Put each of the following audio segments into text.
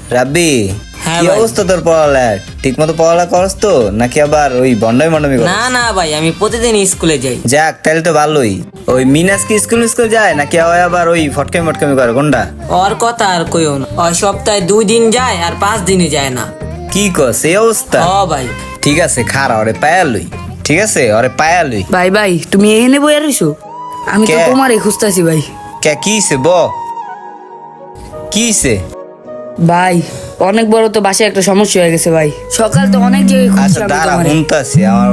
রাব্বি, হ্যাঁ কি ভাই। অবস্থা তোর পড়ালেখা? ঠিক মতো পড়ালেখা করস তো নাকি আবার ওই বন্ডামি করস? না না ভাই, আমি প্রতিদিন স্কুলে যাই। যাক, তাহলে তো ভালোই। ওই মিনাস কি স্কুল যায় নাকি ওই আবার ওই ফটকামি করে কোনটা? ওর কথা আর কইও না, ওই সপ্তাহে 2 দিন যায় আর 5 দিনে যায় না। কি কস এই অবস্থা? ও ভাই, ঠিক আছে, খারা ওরে পায়া লই। ঠিক আছে, ওরে পায়া লই। ভাই ভাই তুমি এখানে বইয়া রইছো? আমি তো কে? তোমারই খুঁজতাছি ভাই। কে কিছে কিছে? ভাই অনেক বড় তো বাসায় একটা সমস্যা হয়ে গেছে ভাই। সকাল তো অনেক জায়গায় আচ্ছা খুঁজছি আমি দাঁড়া, তোমারে। শুনতাছি আমার।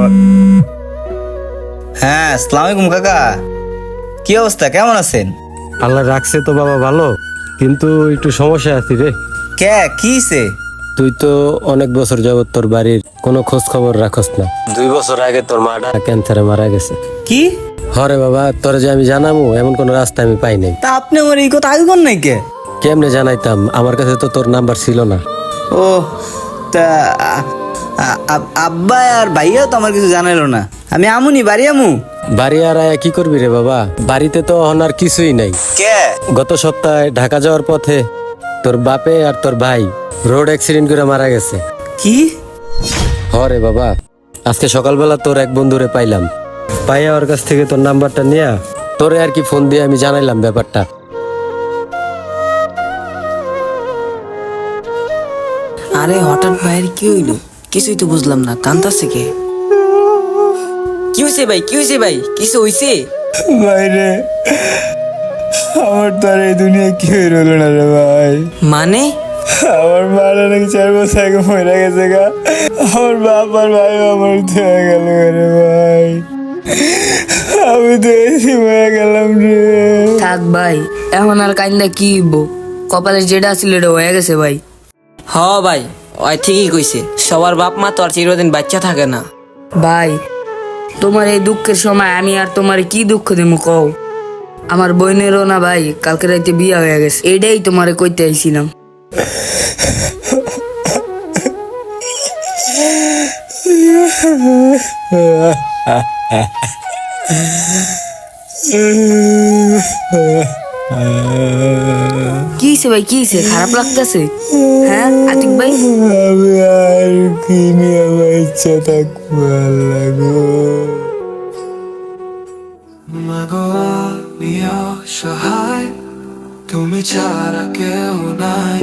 হ্যাঁ, আসসালামু আলাইকুম কাকা। কি অবস্থা, কেমন আছেন? আল্লাহ রাখছে তো বাবা ভালো, কিন্তু একটু সমস্যা আছে রে। কে কিছে? তুই তো অনেক বছর যাবত তোর বাড়ির কোনো খোঁজ খবর রাখস না। 2 বছর আগে তোর মাটা ক্যান্সারে মারা গেছে। কি? হরে বাবা, তোর যে আমি জানাবো এমন কোন রাস্তা আমি পাই নাই। তা আপনি আমার এই কথা আগে কোন নাই কে? কেমনে জানাইতাম, আমার কাছে তো তোর নাম্বার ছিল না। ও তা আব্বা আর ভাইয়া তো আমার কিছু জানাইলো না। আমি আমুনি বাড়ি আমু। বাড়ি আর আয়া কি করবি রে বাবা, বাড়িতে তো এখন আর কিছুই নাই। কে? গত সপ্তাহে ঢাকা যাওয়ার পথে তোর বাপে আর তোর ভাই রোড অ্যাক্সিডেন্ট করে মারা গেছে। কি? হরে বাবা, আজকে সকালবেলা তোর এক বন্ধুরে পাইলাম, পাইয়া ওর কাছ থেকে তোর নাম্বারটা নিয়ে তোরে আর কি ফোন দিয়ে আমি জানাইলাম ব্যাপারটা। আরে হঠাৎ ভাইয়ের কি হইলো? কিছুই তো বুঝলাম না, কান্তাছে কে? কি হইছে ভাই, কি হইছে ভাই, কিছু হইছে? বাইরে আমার তো আর এই দুনিয়া কি হইল না রে ভাই। মানে? আমার মা নাকি 4 বছর আগে মরে গেছে গা। আমার বাপ আর ভাই আমার হয়ে গেল রে ভাই। আমি তো এসে হয়ে গেলাম রে। থাক ভাই, এখন আর কাইন্দা কি হইব? কপালে যেটা ছিল এটা হয়ে গেছে ভাই। হ ভাই, ওই ঠিকই কইছে, সবার বাপ মা তো আর চিরদিন বাচ্চা থাকে না। ভাই তোমার এই দুঃখের সময় আমি আর তোমার কি দুঃখ দেবো কও? আমার বোনেরও না ভাই কালকে রাতে বিয়ে হয়ে গেছে, এইটাই তোমারে কইতে আইছিলাম। কি হইছে ভাই, কি হইছে? খারাপ লাগতেছে? হ্যাঁ আতিক ভাই, আমি আর কি নিয়ে আমার ইচ্ছা থাকবো আল্লাহ গো। মাগো আমি অসহায়, তুমি ছাড়া কেউ নাই।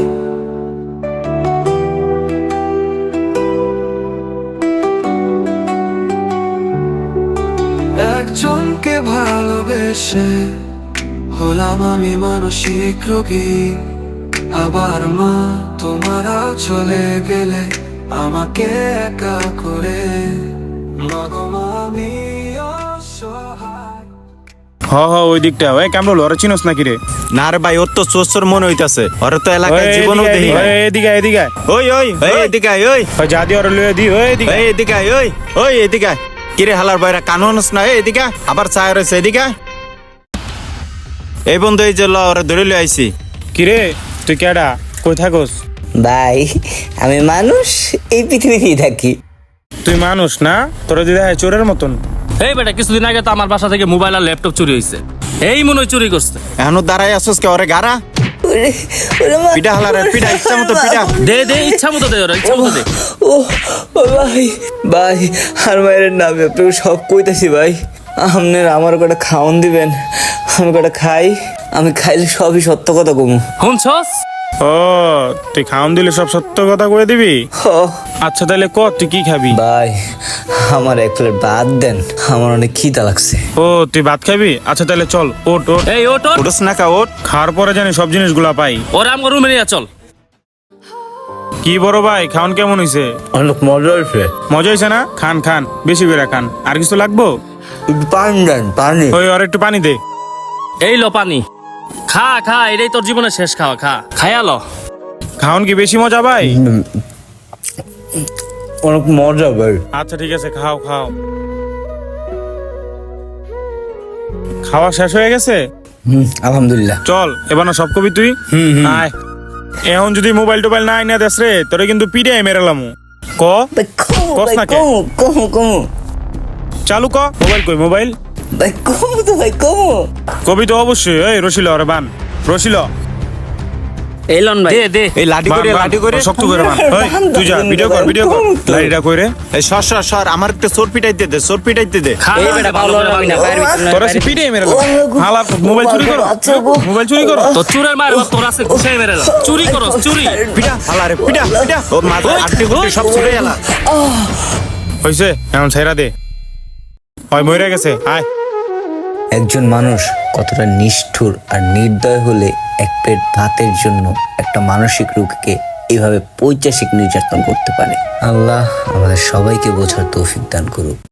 একজনকে ভালোবেসে হলাম আমি মানসিক রোগী। আবার মা তোমারা চলে গেলে আমাকে একা করে। মাগো আমি অসহায়। ওই দিকটা ওই কামরুল ওরা চিনোস নাকি রে? না রে ভাই, ওর তো চোর মনে হইতাছে, ওর তো এলাকায় জীবনও দেখি নাই। এদিকে এদিকে ওই ওই ওই এদিকে আয়, ওই যা দিয়ে ওরা লয়ে দি ওই এদিকে ওই এদিকে আয়, ওই ওই এদিকে আয়। কিরে হালার বাইরা কানুনস না? এদিকে আয়। আবার চায় রয়েছে, এদিকে আয়। এই বন্ধু, এই যে ল ওরা ধরে লই আইছি। কিরে তুই কেডা, কই থাকস? ভাই আমি মানুষ, এই পৃথিবীতেই থাকি। তুই মানুষ না, তোরা দিদা চোরের মতন। এই বেটা, কিছুদিন আগে তো আমার বাসা থেকে মোবাইল আর ল্যাপটপ চুরি হয়েছে। এই মনে হয় চুরি করছে। এখনো দাঁড়াই আসস কে? ওরে গারা পিঠা হালার পিঠা, ইচ্ছা মতো পিঠা। দে ইচ্ছা মতো দে, ওরা ইচ্ছা মতো দে। ও ভাই ভাই, আর মায়ের নামে আপনাকে সব কইতাছি ভাই। আপনার আমার কটা খাওন দিবেন, আমি কটা খাই। আমি খাইলে সবই সত্য কথা কমু। শুনছস? ও তুই খাওন দিলে সব সত্য কথা কয়ে দিবি? আচ্ছা তাহলে ক তুই কি খাবি? ভাই আমার এক প্লেট ভাত দেন, আমার অনেক খিদা লাগছে। ও তুই ভাত খাবি? আচ্ছা তাহলে চল, ওট ওট। এই ওট ওট, ওটস না কা, ওট। খাওয়ার পরে জানি সব জিনিসগুলা পাই। ওরা আমার রুমে নিয়ে চল। কি বড় ভাই, খাওন কেমন হইছে? অনেক মজা হয়েছে। মজা হইছে না? খান খান, বেশি করে খান। আর কিছু লাগবো? পানি দেন, পানি। ওই আর একটু পানি দে। এই লো পানি, খা খা, এটাই তোর জীবনের শেষ খাওয়া, খা খায়া লো। খাওন কি বেশি মজা ভাই? অনেক মজা ভাই। আচ্ছা ঠিক আছে, খাও খাও। খাওয়া শেষ হয়ে গেছে? আলহামদুলিল্লাহ। চল এবার না সব কবি তুই। আয়, এখন যদি মোবাইল টোবাইল না আইনা দেস রে, তোরে কিন্তু পিড়ে মেরালাম। ক ভাই কমু, কস ভাই না কে? কমু কমু কমু। চালু ক। মোবাইল কই মোবাইল? ভাই কমু তো ভাই কমু। কবি তো অবশ্যই। এই রসিল ওরে বান, রসিল। এই লন ভাই দে দে এই লাঠি করে লাঠি করে শক্ত করে বান ওই তুই যা ভিডিও কর লাইটা কইরে এই সর আমার একটা চোর পিটাইতে দে চোর পিটাইতে দে খা এই না, বেটা ভালো ভালো করে লাগবে না ভাঙ। বাইরে ভিতর না, তোরা বাইরে পিটাই মেরালাম হালা মোবাইল চুরি করো তো চুরের মায়ের বাপ তোর আছে ঘুষাই মেরেলাম চুরি করো চুরি পিটা হালারে পিটা ও মাথা আটকে গুটি সব ছুড়ে গেলা হইছে এখন ছাইরা দে ওই মরে গেছে আয় একজন মানুষ কতটা নিষ্ঠুর আর নির্দয় হলে এক প্লেট ভাতের জন্য একটা মানসিক রোগীকে এইভাবে পৈশাচিক নির্যাতন করতে পারে। আল্লাহ আমাদের সবাইকে বোঝার তৌফিক দান করুক।